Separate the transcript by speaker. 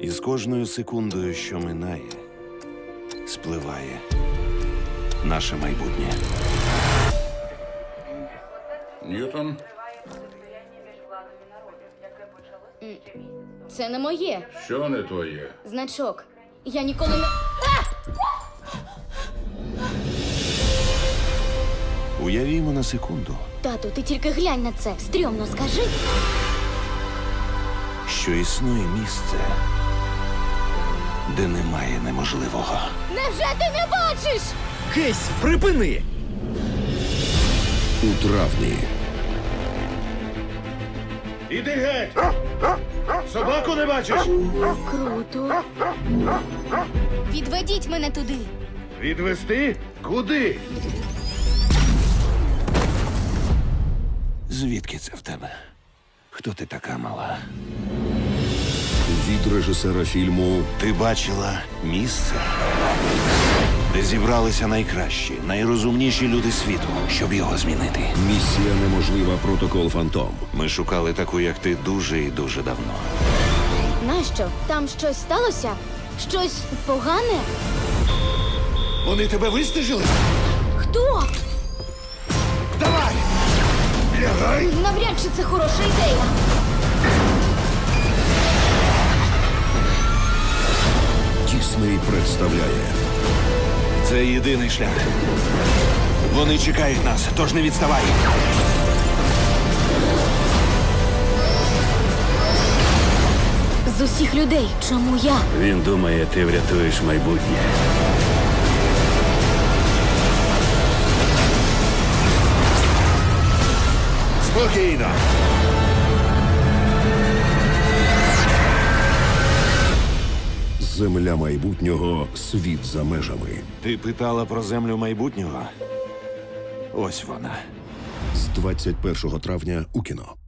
Speaker 1: І з кожною секундою, що минає, спливає наше майбутнє.
Speaker 2: Ньютон?
Speaker 3: Це не моє.
Speaker 2: Що не твоє?
Speaker 3: Значок. Я ніколи не...
Speaker 1: Уявімо на секунду,
Speaker 3: Тату, ти тільки глянь на це. Стрьомно, скажи.
Speaker 1: що існує місце, де немає неможливого.
Speaker 3: Невже ти не бачиш?
Speaker 4: Кейсі, припини!
Speaker 5: У травні.
Speaker 1: Іди геть! Собаку не бачиш?
Speaker 3: Круто. Відведіть мене туди.
Speaker 1: Відвести? Куди? Звідки це в тебе? Хто ти така мала?
Speaker 5: Від режисера фільму
Speaker 1: Ти бачила місце, де зібралися найкращі, найрозумніші люди світу, щоб його змінити.
Speaker 5: «Місія неможлива. Протокол Фантом».
Speaker 1: Ми шукали таку, як ти, дуже і дуже давно.
Speaker 3: Нащо? Там щось сталося? Щось погане?
Speaker 1: Вони тебе вистежили?
Speaker 3: Хто?
Speaker 1: Давай! Лягай!
Speaker 3: Навряд чи це хороша ідея.
Speaker 5: Дісней представляє
Speaker 1: Це єдиний шлях. Вони чекають нас, тож не відставай.
Speaker 3: З усіх людей, чому я?
Speaker 6: Він думає, ти врятуєш майбутнє.
Speaker 1: Спокійно.
Speaker 5: «Земля майбутнього. Світ за межами».
Speaker 1: Ти питала про землю майбутнього? Ось вона.
Speaker 5: З 21 травня у кіно.